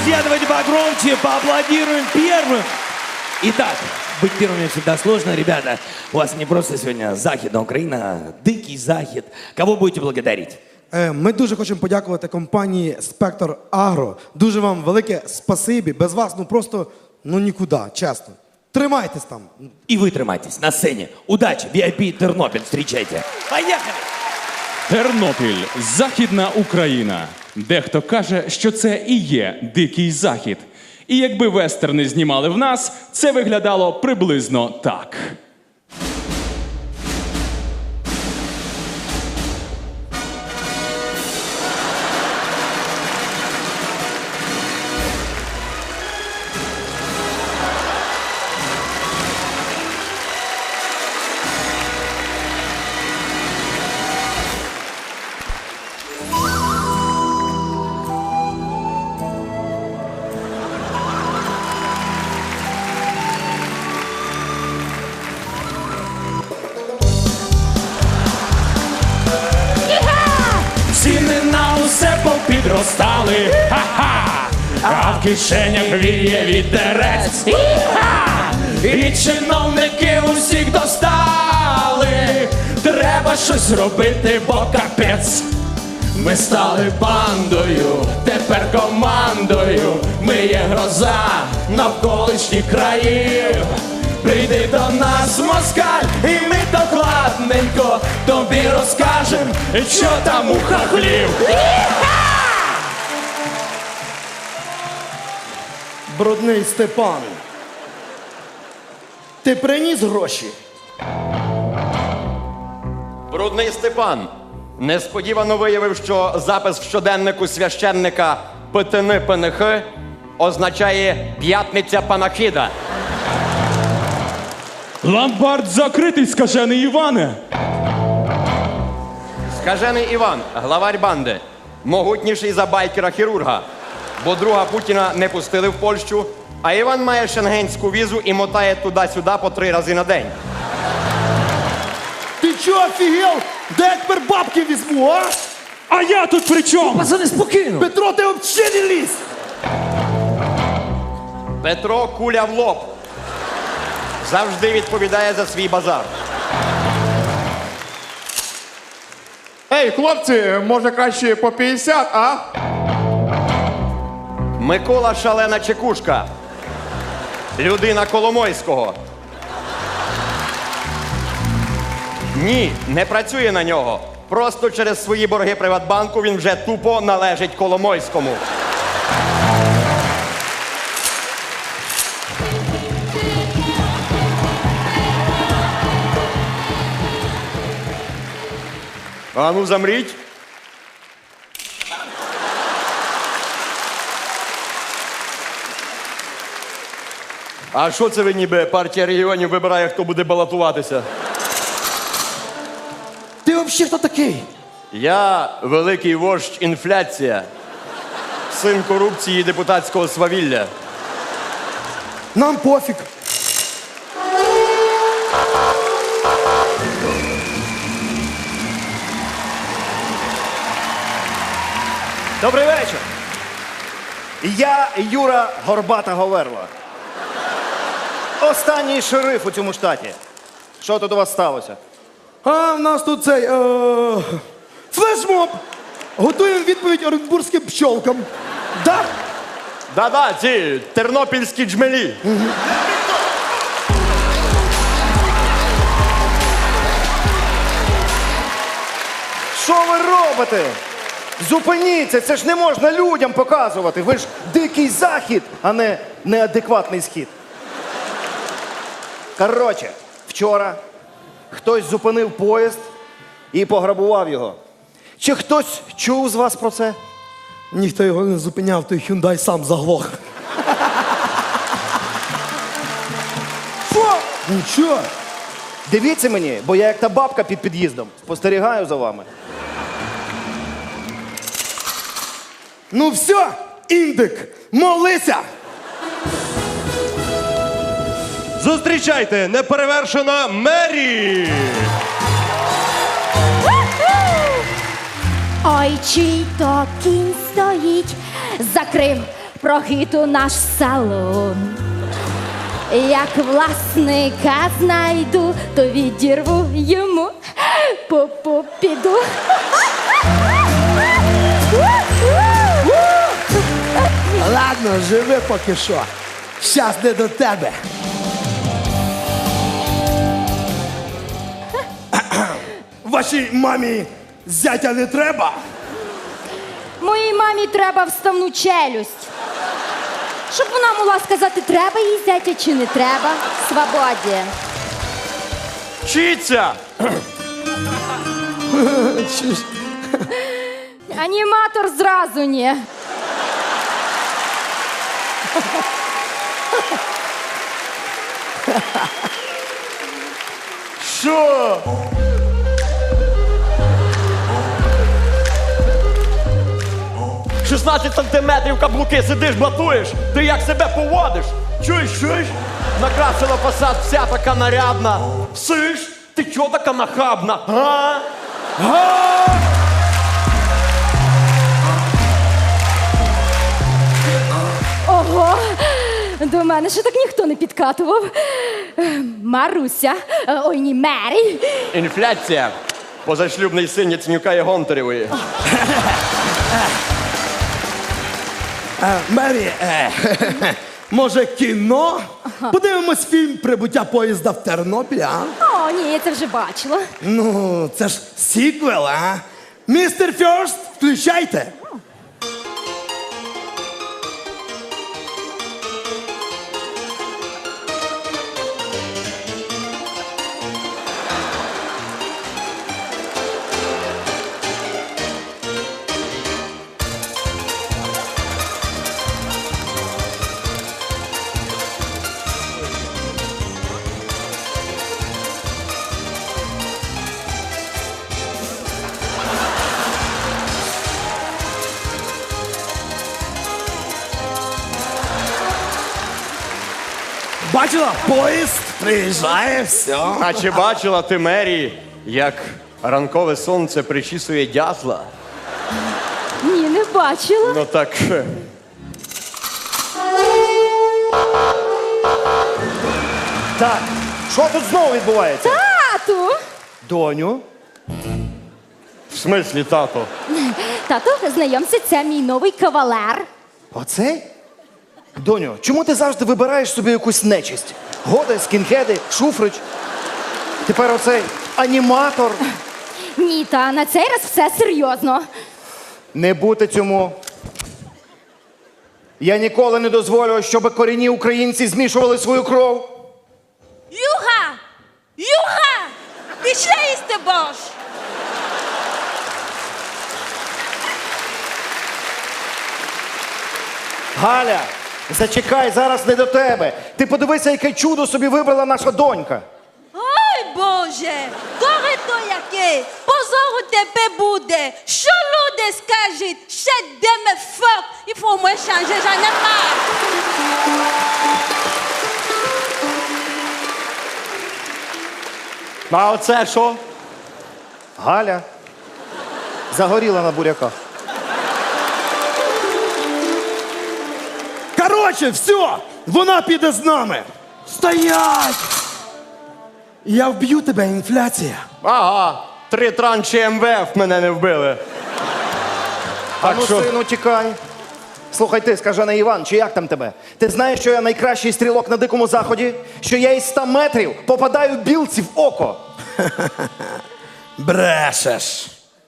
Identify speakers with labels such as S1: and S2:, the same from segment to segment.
S1: Друзья, давайте погромче, поаплодируем первым. Итак, быть первыми всегда сложно, ребята. У вас не просто сегодня Західна Україна, дикий Захід. Кого будете благодарить?
S2: Ми дуже хочемо подякувати компанії «Спектр Агро». Дуже вам велике спасибі. Без вас, просто, нікуди, чесно. Тримайтесь там.
S1: И вы тримайтесь на сцене. Удачи, VIP Тернопіль, встречайте. Поехали!
S3: Тернопіль – Західна Україна. Дехто каже, що це і є Дикий Захід. І якби вестерни знімали в нас, це виглядало приблизно так.
S4: Ціни на усе попідростали, ха-ха, а в кишенях віє вітерець, і-ха! І чиновники усіх достали, треба щось робити, бо капець. Ми стали бандою, тепер командою, ми є гроза навколишніх країв. Прийди до нас, москаль, і ми докладненько тобі розкажем, що там у хахлів.
S2: Брудний Степан. Ти приніс гроші?
S5: Брудний Степан несподівано виявив, що запис в щоденнику священника Петини Пенихи означає «п'ятниця панахіда».
S3: Ломбард закритий, скажений Іване!
S5: Скажений Іван, главарь банди, могутніший за байкера-хірурга, бо друга Путіна не пустили в Польщу, а Іван має шенгенську візу і мотає туди-сюди по 3 рази на день.
S2: Ти чого, офігел? Де я тепер бабки візьму, а?
S3: А я тут при чому?
S1: Пацаны, спокійно.
S2: Петро, ти взагалі не лізь!
S5: Петро куля в лоб. Завжди відповідає за свій базар.
S6: Ей, хлопці, може краще по 50, а?
S5: Микола Шалена Чекушка. Людина Коломойського. Ні, не працює на нього. Просто через свої борги Приватбанку він вже тупо належить Коломойському. А ну замріть. А що це ви ніби партія регіонів вибирає, хто буде балотуватися?
S2: Ти взагалі хто такий?
S5: Я великий вождь інфляція, син корупції і депутатського свавілля.
S2: Нам пофіг.
S7: Добрий вечір. Я Юра Горбата Говерла. Останній шериф у цьому штаті. Що тут у вас сталося?
S2: А в нас тут цей флешмоб. Готуємо відповідь оренбурзьким пчолкам. Да?
S5: Да-да, ці тернопільські джмелі.
S7: Що ви робите? Зупиніться, це ж не можна людям показувати. Ви ж дикий захід, а не неадекватний схід. Коротше, вчора хтось зупинив поїзд і пограбував його. Чи хтось чув з вас про це?
S2: Ніхто його не зупиняв, той Hyundai сам заглох.
S7: Що?
S2: Нічого.
S7: Дивіться мені, бо я як та бабка під під'їздом. Спостерігаю за вами.
S2: Ну все, індик, молися!
S8: Зустрічайте, неперевершена Мері!
S9: Ой, чий то кінь стоїть, закрив прохиту наш салон. Як власника знайду, то відірву йому попу піду.
S2: Ладно, живи поки що. Щас не до тебе. Вашій мамі зятя не треба?
S9: Моїй мамі треба вставну челюсть. Щоб вона могла сказати, треба їй зятя чи не треба. Свободі.
S5: Вчіться!
S9: Аніматор зразу ні.
S7: Що?
S5: — 16 сантиметрів каблуки, сидиш, блатуєш. Ти як себе поводиш? Чуєш? Накрасила фасад, вся така нарядна. Сиш? Ти чого така нахабна? Га?
S9: Ого, до мене ще так ніхто не підкатував. Маруся, ой, ні, Мері.
S5: Інфляція. Позашлюбний син Яценюка і Гонтаревої.
S2: Мері, може кіно? Подивимось фільм «Прибуття поїзда в Тернопіль», а?
S9: О, ні, я це вже бачила.
S2: Ну, це ж сіквел, а? Містер Фьорст, включайте. Бачила? Поїзд приїжджає, все.
S5: А чи бачила ти, Мері, як ранкове сонце причісує дятла?
S9: Ні, не бачила.
S5: Ну так.
S7: Так, що тут знову відбувається?
S9: Тату!
S7: Доню?
S5: В смислі, тато?
S9: Тату, знайомся, це мій новий кавалер.
S7: Оцей? Доню, чому ти завжди вибираєш собі якусь нечисть? Годи, скінхеди, шуфрич. Тепер оцей аніматор.
S9: Ні, та на цей раз все серйозно.
S7: Не бути цьому. Я ніколи не дозволю, щоб корінні українці змішували свою кров.
S10: Юха! Юха! Пішли їсти борщ!
S7: Галя, зачекай, зараз не до тебе. Ти подивися, яке чудо собі вибрала наша донька.
S10: Ой, Боже! Горе то яке! Позору тебе буде! Що люди скажуть? Ще деме фок! Il faut moi changer, j'en ai marre!
S5: А оце що?
S7: Галя загоріла на буряках.
S2: Короче, все, вона піде з нами. Стоять! Я вб'ю тебе, інфляція.
S5: Ага, 3 транші МВФ мене не вбили.
S7: А ну, сину, тікай. Слухай ти, скажений Іван, чи як там тебе? Ти знаєш, що я найкращий стрілок на Дикому Заході? Що я із 100 метрів попадаю білці в око?
S2: Брешеш.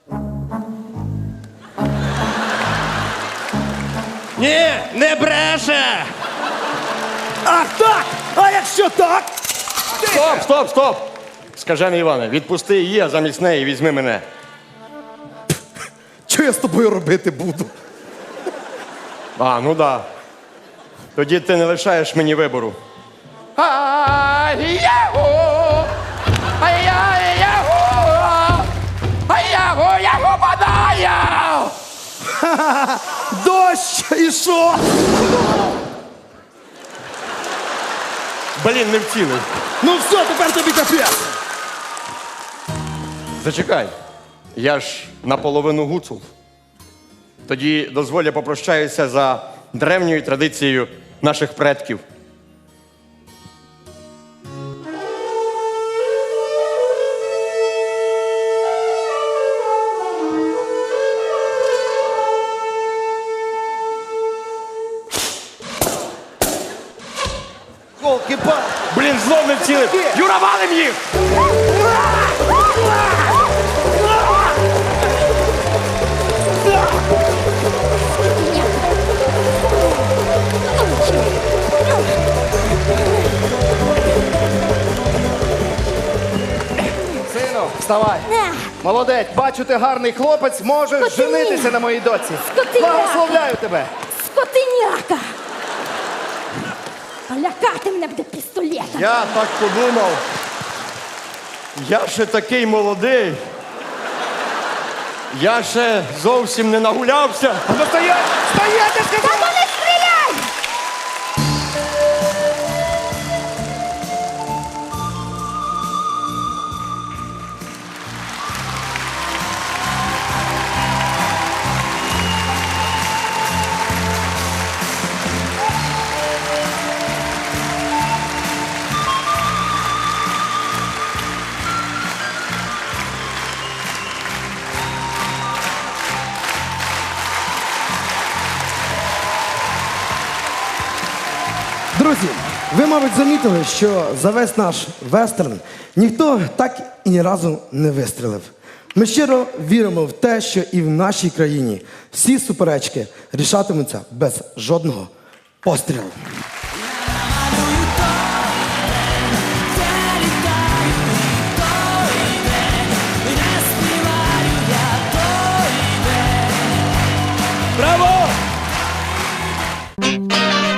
S8: Ні, не бреше!
S2: Ах так! А якщо так?
S5: Стоп! Скажений Іване, відпусти її, а замість неї візьми мене.
S2: Що я з тобою робити буду?
S5: А, ну да. Тоді ти не лишаєш мені вибору.
S2: Дощ і що?
S5: Блін, не вцілив.
S2: Ну все, тепер тобі капець.
S5: Зачекай. Я ж наполовину гуцул. Тоді дозволь, я попрощаюся за древньою традицією наших предків.
S7: Голки-палки.
S5: Блін, знов не вцілив! Юра, валим їх!
S7: Сину, вставай. Молодець, бачу, ти гарний хлопець, можеш
S9: Скотині.
S7: женитися на моїй доці.
S9: Скотиняка.
S7: Благословляю тебе.
S9: Скотиняка! А лякати мене буде пістолетом.
S5: Я так подумав. Я ще такий молодий. Я ще зовсім не нагулявся.
S7: А ну стоять! Стоять, я
S9: Та
S7: сказав!
S9: ну не стріляй!
S2: Друзі, ви, мабуть, замітили, що за весь наш вестерн ніхто так і ні разу не вистрілив. Ми щиро віримо в те, що і в нашій країні всі суперечки рішатимуться без жодного пострілу.
S1: Браво!